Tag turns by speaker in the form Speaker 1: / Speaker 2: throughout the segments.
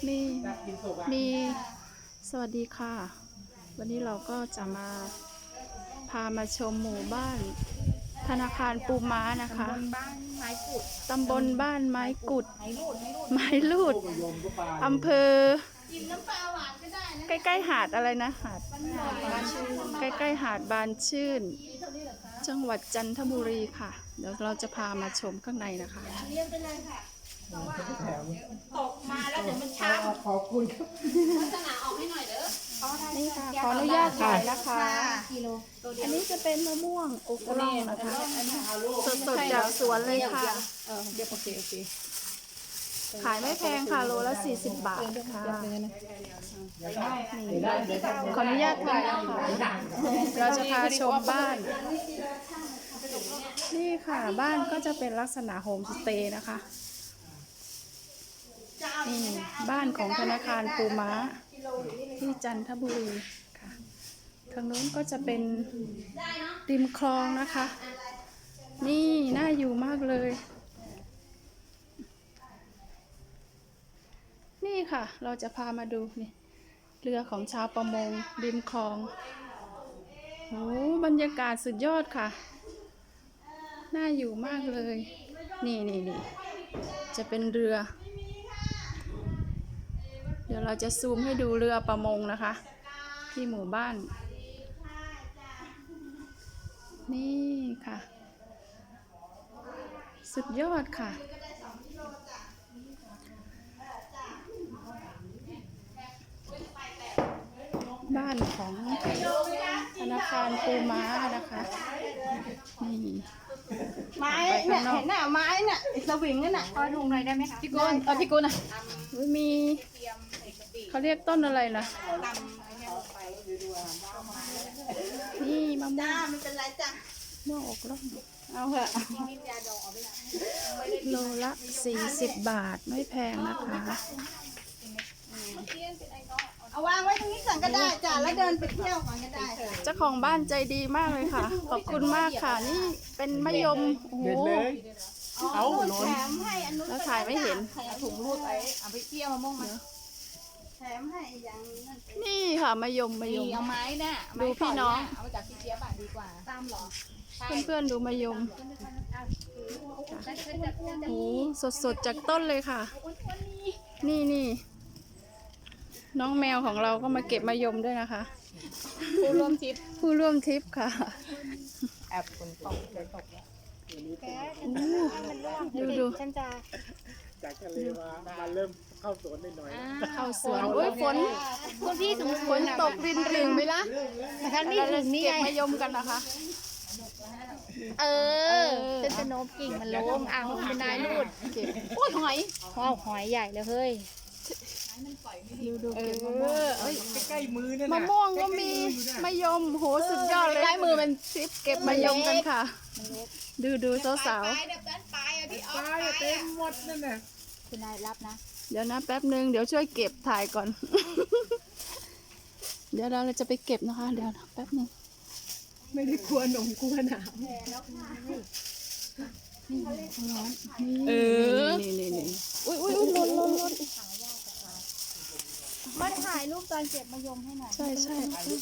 Speaker 1: มีสวัสดีค่ะ วันนี้เราก็จะพามาชมหมู่บ้านธนาคารปูม้านะคะตำบลบ้านไม้กุดไม้ลูดอำเภอใกล้ๆหาดอะไรนะหาดใกล้ๆหาดบานชื่นจังหวัดจันทบุรีค่ะเดี๋ยวเราจะพามาชมข้างในนะคะ
Speaker 2: ตกมาแล้วเดี๋ยวมันช้ำขอบคุณครับลักษณะออกให้หน่อยเด้อ
Speaker 1: นี่ค่ะขออนุญาตถ่ายนะคะอันนี้จะเป็นมะม่วงอกร่องนะคะสดๆจากสวนเลยค่ะ
Speaker 2: เดี๋ยวโอเค
Speaker 1: ขายไม่แพงค่ะโลละ40 บาทค่ะขออนุญาตถ่ายนะคะเราจะพาชมบ้านนี่ค่ะบ้านก็จะเป็นลักษณะโฮมสเตย์นะคะนี่บ้านของธนาคารปูม้าที่จันทบุรีค่ะทางนู้นก็จะเป็นริมคลองนะคะนี่น่าอยู่มากเลยนี่ค่ะเราจะพามาดูนี่เรือของชาวประมงริมคลองโอ้บรรยากาศสุดยอดค่ะน่าอยู่มากเลยนี่จะเป็นเรือเดี๋ยวเราจะซูมให้ดูเรือประมงนะคะที่หมู่บ้านนี่ค่ะสุดยอดค่ะบ้านของธนาคารปูม้านะคะนี่
Speaker 2: ไม้เนี่ยเห็นน่ะไม้เนี่ยสวิงนั่นน่ะพอถุงหน่อยได้ไหมคะพี่กุลพี่กุลน่ะ
Speaker 1: มีเขาเรียกต้นอะไรนะนี่มะม่วง
Speaker 2: ไม่เป็นไรจ้ะ
Speaker 1: ม่วงอกร่องเอาเถอะโลละ40 บาทไม่แพงนะคะ
Speaker 2: เอาวางไว้ตรงนี้ก่อนก็ได้จ้ะแล้วเดินไปเที่ยวก่อนก็ได้
Speaker 1: เจ้าของบ้านใจดีมากเลยค่ะขอบคุณมากค่ะนี่เป็นมะยมโอ้โห
Speaker 2: เอาแถมให้อนุ
Speaker 1: แล้วถ่ายไม่เห็น
Speaker 2: ถุงรูดเอาไปเที่ยวมะม่วงมาแถมให้อย่าง
Speaker 1: นี่ค่ะมะยม
Speaker 2: เอาไม้น่ะ
Speaker 1: ดูพี่น้อง
Speaker 2: เอาจากพี่เจี๊ยบดีกว่าตามหรอ
Speaker 1: เพื่อนๆดูมะยมโอ้สดๆจากต้นเลยค่ะนี่น้องแมวของเราก็มาเก็บมะยมด้วยนะคะผู้ร่วมทริปค่ะ
Speaker 2: แอบฝนตกเลยตก
Speaker 1: ดู
Speaker 3: ฉันจะจากทะเลมาเริ่มเข้าสวนหน่อย
Speaker 1: เข้าสวนโอ้ยฝน
Speaker 3: พี่สมฝน
Speaker 1: ตกรินไหมล่ะ
Speaker 3: ท่านนี่ถึงนี่ไง
Speaker 1: เก็บมะยมกันนะคะ
Speaker 3: เป็นตะโนบกิ่งมันล้มอ่างเป็นนายรูด
Speaker 1: เก็บโอ้ย
Speaker 3: หอยใหญ่เลยเฮ้ย
Speaker 1: ดูเก็บมะม่วง
Speaker 3: ใกล้มือนั่น
Speaker 1: มะม่วงก็มีมะยมโหสุดยอดเลยใกล้มือเป็นทริปเก็บมะยมกันค่ะดูสาว
Speaker 3: ปลายเต็มหมดนั่นน่ะคุณนายรับนะ
Speaker 1: เดี๋ยวนะแป๊บนึงเดี๋ยวช่วยเก็บถ่ายก่อนเดี๋ยวเราจะไปเก็บนะคะเดี๋ยวแป๊บนึง
Speaker 3: ไม่ได้กลัวหนมกลัวหนาว
Speaker 1: นี่อุ้ยหล่น
Speaker 3: มาถ่ายรูปตอนเก็บมะยมให้หน่อย
Speaker 1: ใช่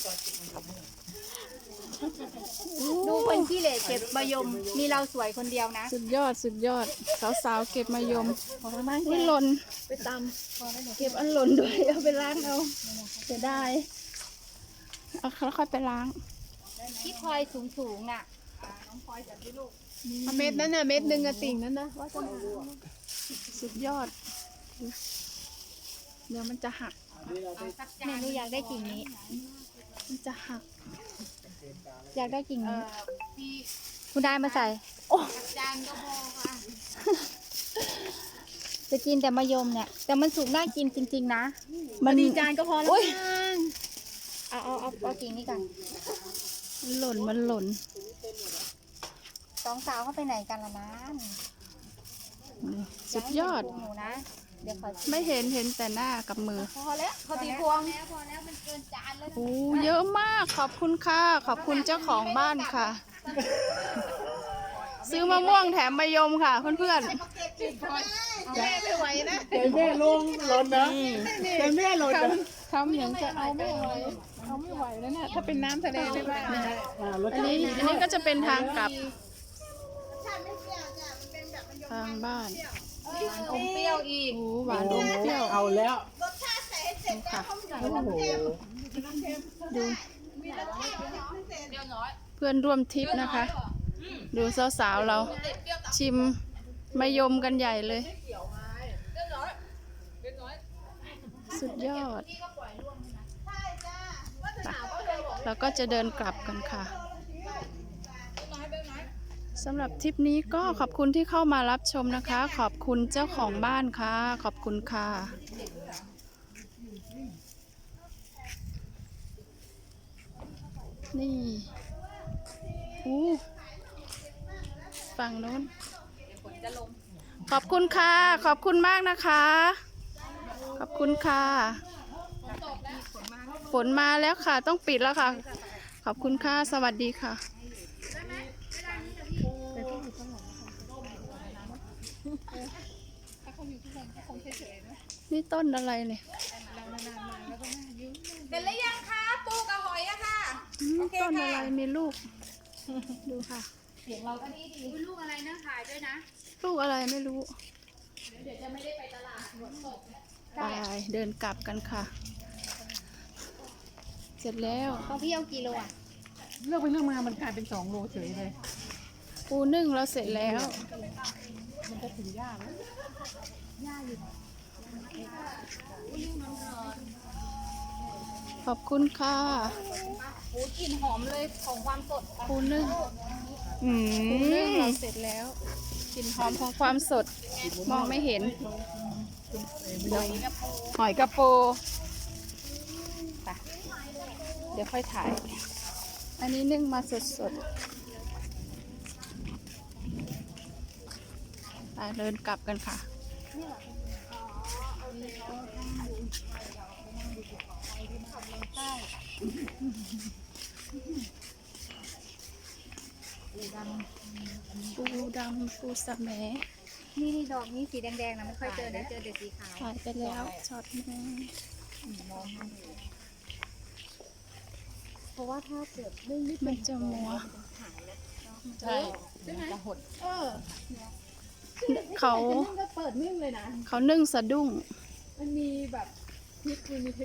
Speaker 3: ดูคนขี้เหร่เก็บมะยมมีเราสวยคนเดียวนะ
Speaker 1: สุดยอดสาวๆเก็บมะยมอุ้ยหล่นไปตำเก็บอันหล่นด้วยเอาไปล้างเอาจะได้เอาค่อยไปล้าง
Speaker 3: ที่พลอยสูงน่ะ
Speaker 2: น้องพลอยจับที่ลูก
Speaker 1: เม็ดนั้นน่ะเม็ดนึงอะติ่งนั้นนะว่าจะสุดยอดเดี๋ยวมันจะหัก
Speaker 3: แม่หนูอยากได้กิ่งนี้
Speaker 1: มันจะหัก
Speaker 3: อยากได้กิ่งนี้คุณได้มาใส่
Speaker 2: จานก็พอค่ะ
Speaker 3: จะกินแต่มะยมเนี่ยแต่มันสุกน่ากินจริงๆนะ
Speaker 1: มัน
Speaker 3: จานก็พอแล้วเอากิ่งนี้กัน
Speaker 1: มันหล่น
Speaker 3: สองสาวเขาไปไหนกันล่ะนะ
Speaker 1: สุดยอด
Speaker 3: หนูนะเดี๋ยว
Speaker 1: ไม่เห็นแต่หน้ากับมือ
Speaker 2: พอแล้วเขาตีพวงพอแล้วมันเกินจานแล้ว
Speaker 1: โอ้เยอะมากขอบคุณค่ะขอบคุณเจ้าของบ้านค่ะซื้อมะม่วงแถมมะยมค่ะเพื่อนๆ
Speaker 2: ไม่ไหวนะ
Speaker 4: ใจแม่ลงหล่นนะใจแม่หล่นนะ
Speaker 2: ทำอย่างจะเอาไม่ไหวเอาไม่ไหวแล้วเนี่ยถ้าเป็นน้ำทะเลไม่ได้นะ
Speaker 4: รส
Speaker 1: อัน
Speaker 4: ชาติ
Speaker 1: นี้ก็จะเป็นทางกลับทางบ้าน
Speaker 3: อมเปรี้ยวอีก
Speaker 1: โอ้หวานอมเปรี้ยว
Speaker 4: เอาแล้ว
Speaker 1: ค่ะ
Speaker 4: โอ้โห
Speaker 1: ดูเพื่อนร่วมทริปนะคะ ดูสาวๆเรา ชิมมะยมกันใหญ่เลย สุดยอดเราก็จะเดินกลับกันค่ะสำหรับทริปนี้ก็ขอบคุณที่เข้ามารับชมนะคะ ขอบคุณเจ้าของบ้านค่ะ ขอบคุณค่ะ นี่อู้ฝั่งโน้นขอบคุณค่ะ ขอบคุณมากนะคะ ขอบคุณค่ะ ฝนมาแล้วค่ะ ต้องปิดแล้วค่ะ ขอบคุณค่ะ สวัสดีค่ะ นี่ต้นอะไรเนี่ย
Speaker 2: เสร็จแล้วยังคะปูกับหอยอะค่ะ
Speaker 1: ต้นอะไรมีลูก ดูค่ะ
Speaker 3: ลูกอะไรนะขายด้วยนะ
Speaker 1: ลูกอะไรไม่รู้ เดี๋ยวจะไม่ได้ไปตลาดไปเดินกลับกันค่ะ เสร็จแล้ว
Speaker 3: ของพี่เอากี่โลอ่ะ
Speaker 2: เลือกไปเลือกมามันกลายเป็น2 โลเฉยเลย
Speaker 1: ปูนึ่งเราเสร็จแล้ว
Speaker 2: มันจะถึงยากแล้ว
Speaker 1: ขอบคุณค่ะ
Speaker 3: โอ้กลิ่นหอมเลยของความสด
Speaker 1: ปูนึ่งปูนึ่งเราเสร็จแล้วกลิ่นหอมของความสด มองไม่เห็นหอยกระโปไปเดี๋ยวค่อยถ่าย อันนี้นึ่งมาสดๆไปเดินกลับกันค่ะ ปูดำปูสะแหม
Speaker 3: นี่ดอกนี้สีแดงๆนะไม่ค่อยเจอนะเจอแต่สีขาว
Speaker 1: ถ่ายไปแล้วช็อตหนึง
Speaker 3: เพราะว่าถ้าเกิดนึ่ง
Speaker 1: มันจะมัว
Speaker 2: ใช่จะหด
Speaker 1: เขา
Speaker 2: ก็เปิดนึ่งเลยนะ
Speaker 1: เขานึ่งสะดุ้ง
Speaker 2: มันมีแบบพริกมันมีเท